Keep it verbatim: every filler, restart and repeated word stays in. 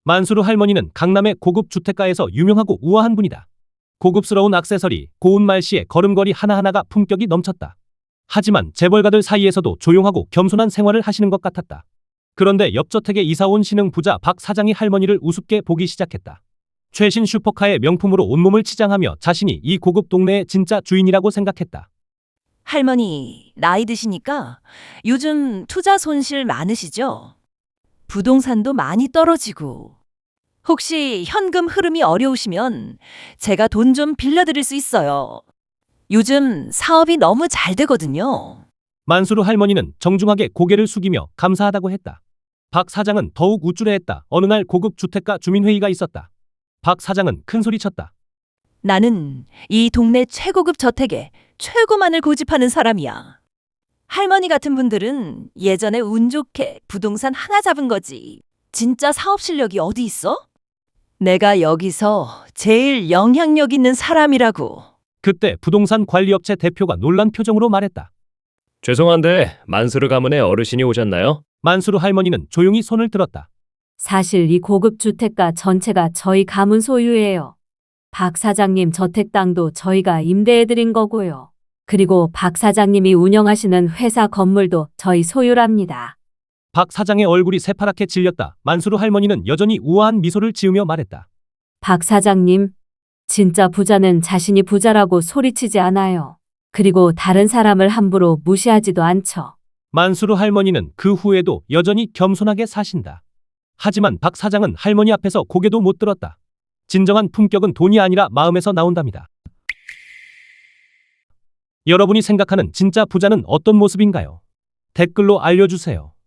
만수르 할머니는 강남의 고급 주택가에서 유명하고 우아한 분이다. 고급스러운 액세서리, 고운 말씨의 걸음걸이 하나하나가 품격이 넘쳤다. 하지만 재벌가들 사이에서도 조용하고 겸손한 생활을 하시는 것 같았다. 그런데 옆저택에 이사온 신흥 부자 박 사장이 할머니를 우습게 보기 시작했다. 최신 슈퍼카의 명품으로 온몸을 치장하며 자신이 이 고급 동네의 진짜 주인이라고 생각했다. 할머니, 나이 드시니까 요즘 투자 손실 많으시죠? 부동산도 많이 떨어지고. 혹시 현금 흐름이 어려우시면 제가 돈 좀 빌려드릴 수 있어요. 요즘 사업이 너무 잘 되거든요. 만수르 할머니는 정중하게 고개를 숙이며 감사하다고 했다. 박 사장은 더욱 우쭐해했다. 어느 날 고급 주택가 주민회의가 있었다. 박 사장은 큰 소리쳤다. 나는 이 동네 최고급 저택에 최고만을 고집하는 사람이야. 할머니 같은 분들은 예전에 운 좋게 부동산 하나 잡은 거지. 진짜 사업 실력이 어디 있어? 내가 여기서 제일 영향력 있는 사람이라고. 그때 부동산 관리업체 대표가 놀란 표정으로 말했다. 죄송한데 만수르 가문의 어르신이 오셨나요? 만수르 할머니는 조용히 손을 들었다. 사실 이 고급 주택가 전체가 저희 가문 소유예요. 박 사장님 저택 땅도 저희가 임대해드린 거고요. 그리고 박 사장님이 운영하시는 회사 건물도 저희 소유랍니다. 박 사장의 얼굴이 새파랗게 질렸다. 만수르 할머니는 여전히 우아한 미소를 지으며 말했다. 박 사장님, 진짜 부자는 자신이 부자라고 소리치지 않아요. 그리고 다른 사람을 함부로 무시하지도 않죠. 만수르 할머니는 그 후에도 여전히 겸손하게 사신다. 하지만 박 사장은 할머니 앞에서 고개도 못 들었다. 진정한 품격은 돈이 아니라 마음에서 나온답니다. 여러분이 생각하는 진짜 부자는 어떤 모습인가요? 댓글로 알려주세요.